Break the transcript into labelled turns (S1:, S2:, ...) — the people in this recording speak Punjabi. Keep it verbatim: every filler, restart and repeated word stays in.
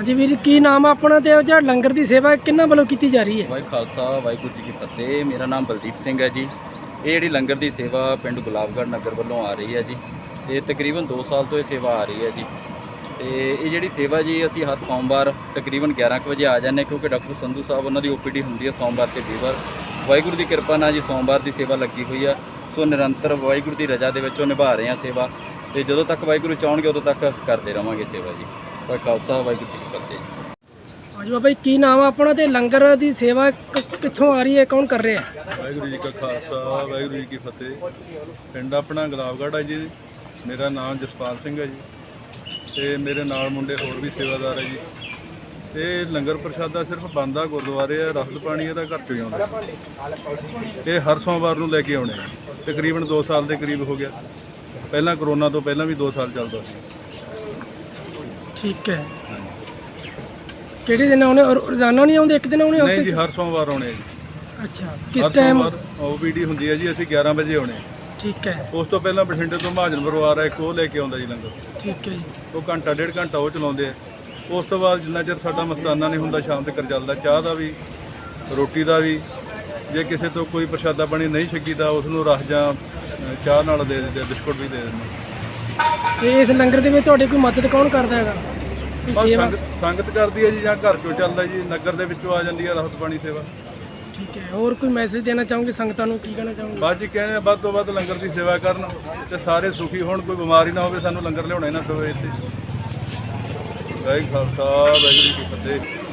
S1: ਹਾਂਜੀ ਵੀਰ, ਕੀ ਨਾਮ ਆ ਆਪਣਾ ਤੇ ਜਿਹੜਾ ਲੰਗਰ ਦੀ ਸੇਵਾ ਕਿੰਨਾਂ ਵੱਲੋਂ ਕੀਤੀ ਜਾ ਰਹੀ ਹੈ?
S2: ਵਾਹਿ ਖਾਲਸਾ ਵਾਹਿਗੁਰੂ ਜੀ ਕੀ ਫਤਿਹ। ਮੇਰਾ ਨਾਮ ਬਲਦੀਪ ਸਿੰਘ ਹੈ ਜੀ। ਇਹ ਜਿਹੜੀ ਲੰਗਰ ਦੀ ਸੇਵਾ ਪਿੰਡ ਗੁਲਾਬਗੜ੍ਹ ਨਗਰ ਵੱਲੋਂ ਆ ਰਹੀ ਹੈ ਜੀ। ਇਹ ਤਕਰੀਬਨ ਦੋ ਸਾਲ ਤੋਂ ਇਹ ਸੇਵਾ ਆ ਰਹੀ ਹੈ ਜੀ। ਤੇ ਇਹ ਜਿਹੜੀ ਸੇਵਾ ਜੀ ਅਸੀਂ ਹਰ ਸੋਮਵਾਰ ਤਕਰੀਬਨ ਗਿਆਰਾਂ ਕੁ ਵਜੇ ਆ ਜਾਂਦੇ, ਕਿਉਂਕਿ ਡਾਕਟਰ ਸੰਧੂ ਸਾਹਿਬ ਉਹਨਾਂ ਦੀ ਓ ਪੀ ਡੀ ਹੁੰਦੀ ਹੈ ਸੋਮਵਾਰ ਤੇ ਵੀਰਵਾਰ। ਵਾਹਿਗੁਰੂ ਦੀ ਕਿਰਪਾ ਨਾਲ ਜੀ ਸੋਮਵਾਰ ਦੀ ਸੇਵਾ ਲੱਗੀ ਹੋਈ ਆ। ਸੋ ਨਿਰੰਤਰ ਵਾਹਿਗੁਰੂ ਦੀ ਰਜ਼ਾ ਦੇ ਵਿੱਚੋਂ ਨਿਭਾ ਰਹੇ ਹਾਂ ਸੇਵਾ, ਤੇ ਜਦੋਂ ਤੱਕ ਵਾਹਿਗੁਰੂ ਚਾਹਣਗੇ ਉਦੋਂ ਤੱਕ ਕਰਦੇ ਰਹਾਂਗੇ ਸੇਵਾ ਜੀ। ਵਾਹਿ ਖਾਲਸਾ ਵਾਹਿਗੁਰੂ ਜੀ ਕੀ ਫਤਿਹ।
S1: ਹਾਂਜੀ ਬਾਬਾ ਜੀ, ਕੀ ਨਾਮ ਆ ਆਪਣਾ ਤੇ ਲੰਗਰ ਦੀ ਸੇਵਾ ਕਿੱਥੋਂ ਆ ਰਹੀ ਹੈ, ਕੌਣ ਕਰ ਰਿਹਾ?
S3: ਵਾਹਿਗੁਰੂ ਜੀ ਕਾ ਖਾਲਸਾ ਵਾਹਿਗੁਰੂ ਜੀ ਕੀ ਫਤਿਹ। ਪਿੰਡ ਆਪਣਾ ਗੁਲਾਬਗੜ੍ਹ ਹੈ ਜੀ। ਮੇਰਾ ਨਾਮ ਜਸਪਾਲ ਸਿੰਘ ਹੈ ਜੀ, ਤੇ ਮੇਰੇ ਨਾਲ ਮੁੰਡੇ ਹੋਰ ਵੀ ਸੇਵਾਦਾਰ ਹੈ ਜੀ। ਤੇ ਲੰਗਰ ਪ੍ਰਸ਼ਾਦਾ ਸਿਰਫ ਬੰਦਾ ਗੁਰਦੁਆਰੇ ਆ, ਰਸਦ ਪਾਣੀ ਇਹਦਾ ਘਰ ਚੋਂ ਹੀ ਆਉਂਦਾ। ਇਹ ਹਰ ਸੋਮਵਾਰ ਨੂੰ ਲੈ ਕੇ ਆਉਣੇ ਆ। ਤਕਰੀਬਨ ਦੋ ਸਾਲ ਦੇ ਕਰੀਬ ਹੋ ਗਿਆ। ਪਹਿਲਾਂ ਕਰੋਨਾ ਤੋਂ ਪਹਿਲਾਂ ਵੀ ਦੋ ਸਾਲ ਚੱਲਦਾ ਸੀ।
S1: ਠੀਕ ਹੈ। ਕਿਹੜੇ ਦਿਨ ਆਉਣੇ? ਰੋਜ਼ਾਨਾ ਨਹੀਂ ਆਉਂਦੇ, ਇੱਕ ਦਿਨ ਆਉਣੇ?
S3: ਨਹੀਂ ਜੀ, ਹਰ ਸੋਮਵਾਰ ਆਉਣੇ ਜੀ।
S1: ਅੱਛਾ, ਕਿਸ ਟਾਈਮ?
S3: ਓ ਪੀ ਡੀ ਹੁੰਦੀ ਹੈ ਜੀ, ਅਸੀਂ ਗਿਆਰਾਂ ਵਜੇ ਆਉਣੇ।
S1: ਠੀਕ ਹੈ।
S3: ਉਸ ਤੋਂ ਪਹਿਲਾਂ ਬਠਿੰਡੇ ਤੋਂ ਮਹਾਜਨ ਪਰਿਵਾਰ ਹੈ ਇੱਕ, ਉਹ ਲੈ ਕੇ ਆਉਂਦਾ ਜੀ ਲੰਗਰ।
S1: ਠੀਕ ਹੈ ਜੀ।
S3: ਉਹ ਘੰਟਾ ਡੇਢ ਘੰਟਾ ਉਹ ਚਲਾਉਂਦੇ ਆ। ਉਸ ਤੋਂ ਬਾਅਦ ਜਿੰਨਾ ਚਿਰ ਸਾਡਾ ਮਸਤਾਨਾ ਨਹੀਂ ਹੁੰਦਾ ਸ਼ਾਮ ਤੱਕ ਚੱਲਦਾ। ਚਾਹ ਦਾ ਵੀ, ਰੋਟੀ ਦਾ ਵੀ। ਜੇ ਕਿਸੇ ਤੋਂ ਕੋਈ ਪ੍ਰਸ਼ਾਦਾ ਪਾਣੀ ਨਹੀਂ ਛਕੀਦਾ, ਉਸ ਨੂੰ ਰਸ ਜਾਂ ਚਾਹ ਨਾਲ ਦੇ ਦਿੰਦੇ, ਬਿਸਕੁਟ ਵੀ ਦੇ ਦਿੰਦੇ।
S1: ਤੇ ਇਸ ਲੰਗਰ ਦੇ ਵਿੱਚ ਤੁਹਾਡੀ ਕੋਈ ਮਦਦ ਕੌਣ ਕਰਦਾ ਹੈਗਾ?
S3: ਬਸ ਸੰਗਤ ਸੰਗਤ ਕਰਦੀ ਹੈ ਜੀ, ਜਾਂ ਘਰ ਚੋਂ ਚੱਲਦਾ ਜੀ, ਨਗਰ ਦੇ ਵਿੱਚੋਂ ਆ ਜਾਂਦੀ ਹੈ ਰਾਹਤ ਪਾਣੀ ਸੇਵਾ।
S1: ਠੀਕ ਹੈ। ਹੋਰ ਕੋਈ ਮੈਸੇਜ ਦੇਣਾ ਚਾਹੋਗੇ ਸੰਗਤਾਂ ਨੂੰ? ਕੀ ਕਹਿਣਾ ਚਾਹੋਗੇ?
S3: ਬਾਅਦ ਜੀ ਕਹਿੰਦੇ ਵੱਧ ਤੋਂ ਵੱਧ ਲੰਗਰ ਦੀ ਸੇਵਾ ਕਰਨ ਤੇ ਸਾਰੇ ਸੁਖੀ ਹੋਣ, ਕੋਈ ਬਿਮਾਰੀ ਨਾ ਹੋਵੇ, ਸਾਨੂੰ ਲੰਗਰ ਲਿਆਉਣਾ ਹੀ ਨਾ ਪਵੇ ਇੱਥੇ। ਵਾਹਿਗੁਰੂ ਖਾਲਸਾ ਵਾਹਿਗੁਰੂ ਜੀ ਕੀ ਫਤਿਹ।